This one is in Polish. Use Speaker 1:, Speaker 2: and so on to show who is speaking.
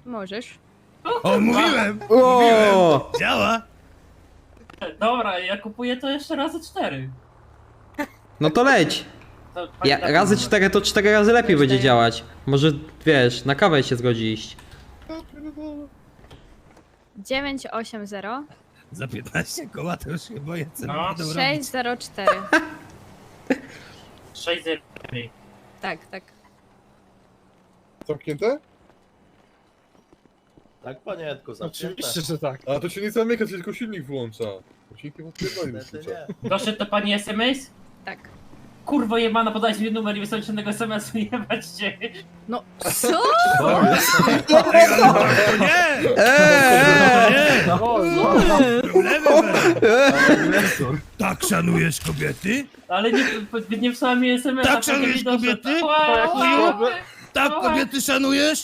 Speaker 1: Możesz.
Speaker 2: O, mówiłem!
Speaker 3: O!
Speaker 2: Działa!
Speaker 4: Dobra, ja kupuję to jeszcze razy 4.
Speaker 3: No to leć.
Speaker 4: To
Speaker 3: Razy 4 to 4 razy lepiej będzie
Speaker 1: Cztery.
Speaker 3: działać. Może wiesz, na kawę się zgodzi iść.
Speaker 1: 980
Speaker 2: Za 15 koła to już się boję, co
Speaker 4: No.
Speaker 2: będą robić.
Speaker 1: 604.
Speaker 4: 6
Speaker 1: Tak, tak.
Speaker 5: Zamknięte?
Speaker 6: Tak, panienko, zamknięte.
Speaker 7: Oczywiście, że tak.
Speaker 5: A to się nie zamyka, to tylko silnik włącza. Silnikiem odpierdoli
Speaker 6: Niestety
Speaker 5: wysłucha.
Speaker 6: nie.
Speaker 4: Doszedł do pani SMS?
Speaker 1: Tak.
Speaker 4: Kurwo jebana, podajcie mi numer i wysłać żadnego SMS-u, jebać cię.
Speaker 1: No co?
Speaker 2: To nie!
Speaker 3: Eee!
Speaker 2: Nie! Problemy będą. Tak szanujesz kobiety?
Speaker 4: Ale nie wysłała mi SMS-a.
Speaker 2: Tak szanujesz kobiety? Tak kobiety szanujesz?